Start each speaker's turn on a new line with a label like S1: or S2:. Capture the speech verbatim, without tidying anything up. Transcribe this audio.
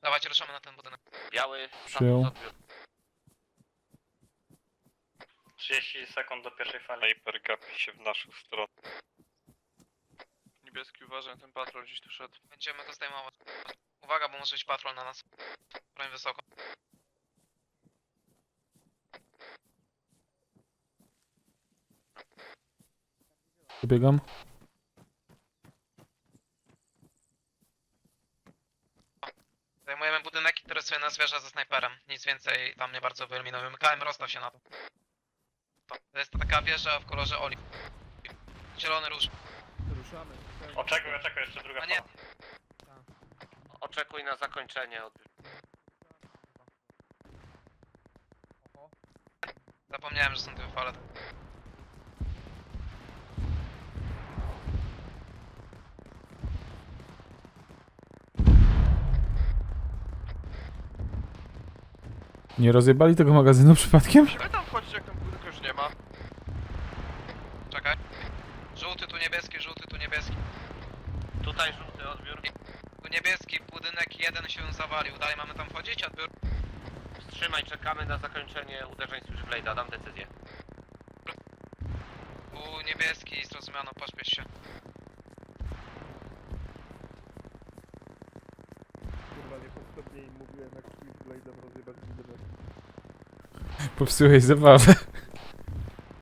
S1: Dawajcie, ruszamy na ten budynek.
S2: Biały,
S3: Przyjął.
S2: status odbiór.
S4: trzydzieści sekund do pierwszej fali.
S5: Sniper gapi się w naszą stronę.
S6: Niebieski, uważaj na ten patrol, gdzieś tu szedł.
S1: Będziemy go zdejmować. Uwaga, bo może być patrol na nas. Broń wysoko.
S3: Dobiegam.
S1: Zajmujemy budynek, który sobie nas wieża ze snajperem. Nic więcej tam nie bardzo wyeliminujemy. K M, rozstaw się na to. To jest taka wieża w kolorze oliw. Zielony róż.
S7: Ruszamy.
S4: Oczekuj, oczekuj, jeszcze druga
S1: A nie,
S4: fala.
S2: Oczekuj na zakończenie odbiór.
S1: zapomniałem, że są dwie fale.
S3: Nie rozjebali tego magazynu przypadkiem?
S6: Musimy tam wchodzić, jak tam budynku już nie ma.
S1: Czekaj. Żółty, tu niebieski, żółty, tu niebieski.
S2: Tutaj żółty odbiór.
S1: Tu niebieski, budynek jeden się zawalił. Dalej mamy tam wchodzić, odbiór.
S2: Wstrzymaj, czekamy na zakończenie uderzeń Switchblade'a, dam decyzję.
S1: Tu niebieski, zrozumiano, pośpiesz się.
S7: Kurwa, niepotrzebnie im mówiłem, jak Switchblade'em rozjebać budynek.
S3: Popsułeś zabawę.